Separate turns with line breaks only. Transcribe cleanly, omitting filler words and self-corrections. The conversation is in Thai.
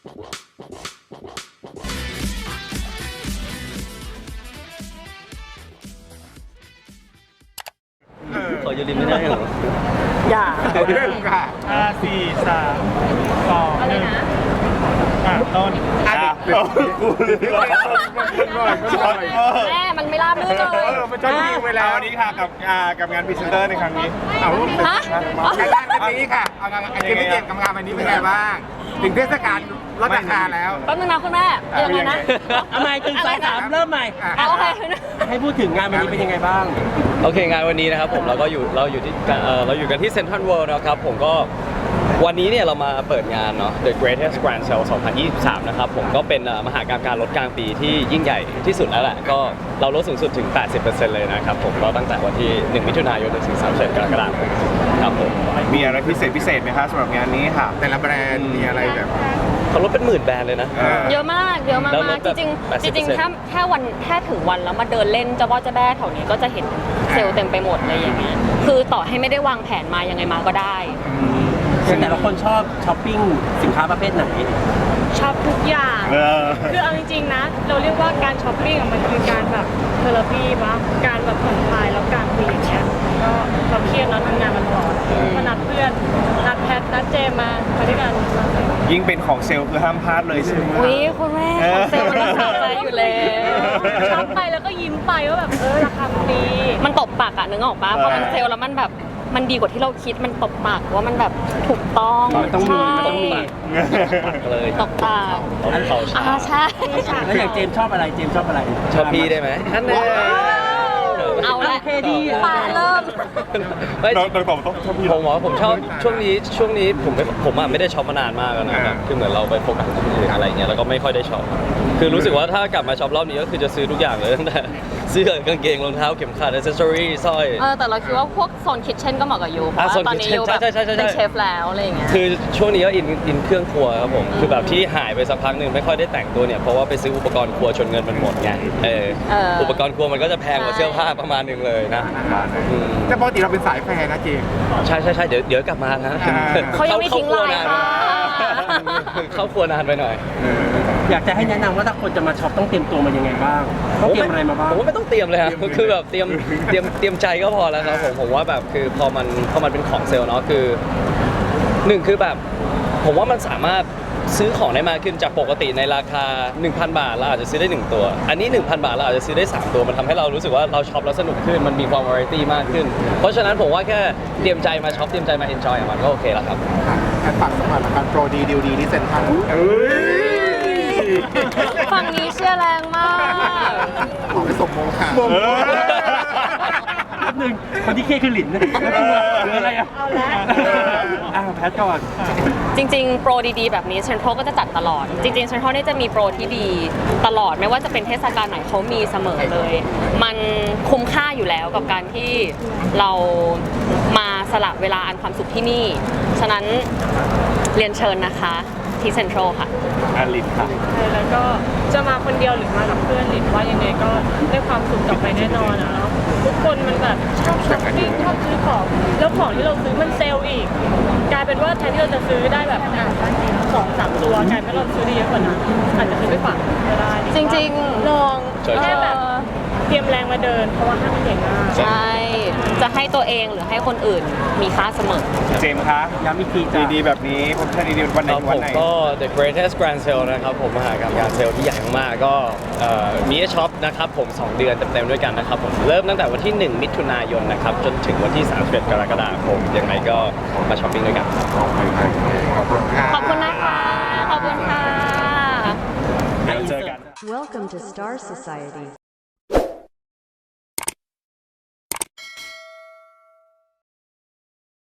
ขอยืนริมไม่ได้เหรอ
อย่า
เรื่องค่ะ
5 4 3 2
อะไรนะ
1ต้น
กูเลยช็อต
แม่มันไม่ราบรื่นเลย
มันช็อตวิวไปแล้ว
วันนี้ค่ะกับงานพรีเซนเตอร์ในครั้งนี้
เอา
ฮะ
งานวันนี้ค่ะเอางานเกมที่เกมกับงานวันนี้เป็นไงบ้างถึงเทศกาลลดราคาแล้ว
แป๊บนึงนะคุณแม่ยังไงนะ
ทำไมตึงสายสามเริ่มใหม่
เอาโอเค
ให้พูดถึงงานวันนี้เป็นยังไงบ้าง
โอเคงานวันนี้นะครับผมเราอยู่กันที่เซ็นทรัลเวิลด์นะครับผมก็วันนี้เนี่ยเรามาเปิดงานเนาะ The Greatest Grand Sale 2023 นะครับผมก็เป็นมหากรรมการลดกลางปีที่ยิ่งใหญ่ที่สุดแล้วแหละก็เราลดสูงสุดถึง 80% เลยนะครับผมก็ตั้งแต่วันที่ 1 มิถุนายนถึง 31 กรกฎาคมครับผม
มีอะไรพิเศษไหมคะสำหรับงานนี้ค่ะ
แต่ละแบรนด์มีอะไรแบบ
เขาลดเป็นหมื่นแบรนด์เลยนะ
เยอะมาก
แล้ว
จ
ลดแบบ
ริง
80%
จริงแค่ถึงวันแล้วมาเดินเล่นจะว่าจะแบ้แถวนี้ก็จะเห็นเซลล์เต็มไปหมดเลยอย่างเงี้ยคือต่อให้ไม่ได้วางแผนมายังไงมาก็ได้
แต่ละคนชอบช้อปปิ้งสินค้าประเภทไหน
ชอบทุกอย่าง คือเอาจริงๆนะ เราเรียกว่าการช้อปปิ้งอะมันคือการแบบเทอราปีปะการแบบผ่อนคลายแล้วการคุยอย่างเงี้ย ก็เราเครียดเราทำงานมันร้อนก็นัดเพื่อน นัดแพท นัดเจมมาด้วยกัน
ยิ่งเป็นของเซลล์คือห้ามพลาดเลยใช่ไหม
อุ้ยคุณแม่ของเซลล์มันรักษาใจอยู่แล้ว
ช็อปไปแล้วก็ยิ้มไปว่าแบบราคามันดี
มันตบปากอะนึกออกปะพอมันเซลล์แล้วมันแบบมันดีกว่าที่เราคิดมันตบปากว่ามันแบบถูกต้อง
มันต้องมี
ใช่
มันต้องมี
ปักเลย
ตบปาก
ต้องเขาชา
ใช่
แล้วอย่างเจมส์ชอบอะไรเจมส์ชอบอะไร
ชอบพี่ได้ไหมอันนี้
เอาละ
โอเคดี
ปาเริ่ม
ไม่
ต้องตอบต้องชอบพี่
ผมว่าผมชอบช่วงนี้ผมอะไม่ได้ช็อปมานานมากแล้วนะครับคือเหมือนเราไปโฟกัสที่อื่นอะไรเงี้ยแล้วก็ไม่ค่อยได้ช็อปคือรู้สึกว่าถ้ากลับมาช็อปรอบนี้ก็คือจะซื้อทุกอย่างเลยตั้งแต่เสื้อกางเกงรองเท้าเข็มขัดอิเซสซอรี่สร้อย
แต่เราคิดว่าพวกโซนคิทเช่นก็เหมาะกับยูเพราะว่า
โซน
ตอนนี้
kitchen
ยูแบบ
ใช่
เป็นเชฟแล้วอะไรอย่างเงี้ย
คือช่วงนี้ก็อินเครื่องครัวครับผมคือแบบที่หายไปสักพักหนึ่งไม่ค่อยได้แต่งตัวเนี่ยเพราะว่าไปซื้ออุปกรณ์ครัวจนเงินมันหมดไงอุปกรณ์ครัวมันก็จะแพงกว่าเสื้อผ้าประมาณหนึงเลยนะ
แต่ปกติเราเป็นสายแฟร์นะเจมส์
ใช่เดี๋ยวกลับมานะ
เขายังไม่ทิ้งลายค่ะ
เข้าครัวนานไปหน่อย
อยากจะให้แนะนำว่าถ้าคนจะมาช็อปต้องเตรียมตัวมายังไงบ้างต้องเตรียมอะไรมาบ้าง
ผมว่าไม่ต้องเตรียมเลยครับคือแบบเตรียมใจก็พอแล้วครับผมว่าแบบคือพอมันเป็นของเซลล์เนาะคือหนึ่งคือแบบผมว่ามันสามารถซื้อของได้มากขึ้นจากปกติในราคา 1,000 บาทเราอาจจะซื้อได้1ตัวอันนี้ 1,000 บาทเราอาจจะซื้อได้3ตัวมันทำให้เรารู้สึกว่าเราช็อปแล้วสนุกขึ้นมันมีความวาไรตี้มากขึ้นเพราะฉะนั้นผมว่าแค่เตรียมใจมาช็อปเตรียมใจมาเอนจอยกับมันก็โอเคแล้วครับ
ฝากสมัครการโปรดีดีลดีที่เซ็นทรัล
ฝั่งนี้เชื่อแรงมาก
ขอไปส่งโมงค่ะ
แป๊บนึงคนที่เครียดคือหลินนะแล้วตัวหรืออะไรอ่ะ
เอาละ
แพทก่อน
จริงๆ โปรดีๆ แบบนี้เซ็นทรัลก็จะจัดตลอด จริงๆเซ็นทรัลเนี่ยจะมีโปรที่ดีตลอดไม่ว่าจะเป็นเทศกาลไหนเขามีเสมอเลย มันคุ้มค่าอยู่แล้วกับการที่เรามาสละเวลาอันความสุขที่นี่ ฉะนั้นเรียนเชิญนะคะที่เซ็นทรัลค่ะ
อาลินค่ะ
แล้วก็จะมาคนเดียวหรือมากับเพื่อนหรือว่ายังไงก็ได้ความสุขกลับไปแน่นอนอะเนาะทุกคนมันแบบชอบช้อปปิ้งชอบซื้อของแล้วของที่เราซื้อมันเซลล์อีก กลายเป็นว่าแทนที่เราจะซื้อได้แบบ2-3 ตัวกลายเป็นเราซื้อได้เยอะกว่านั้นอาจจะซื้อไปฝากก็ได้
จริงๆ
ลอง
ใช่
แค่แบบเตรียมแรงมาเดินเพราะว่าห้างมันใหญ่มาก
ใช่ จะให้ตัวเองหรือให้คนอื่นมีค่าเสมอ
เจมส์คะ
ย้ำอีกทีจ้ะ
ดีๆแบบนี้ผมแค่ดีๆวันไหน
ครับ
วั
ผ
น
ม
ไหน
ก็ The Greatest Grand Sale นะครับผมมหากรรมการเซลล์ที่ใหญ่มากๆก็มีให้ช็อปนะครับผม2 เดือนเต็มๆด้วยกันนะครับผมเริ่มตั้งแต่วันที่ 1 มิถุนายนนะครับจนถึงวันที่ 31 กรกฎาคมยังไงก็มาช้อปปิ้งด้วยกัน
ขอบคุณนะคะ ขอบคุณค่ะ
เดี๋ยวเจอกัน
Welcome to Star Society.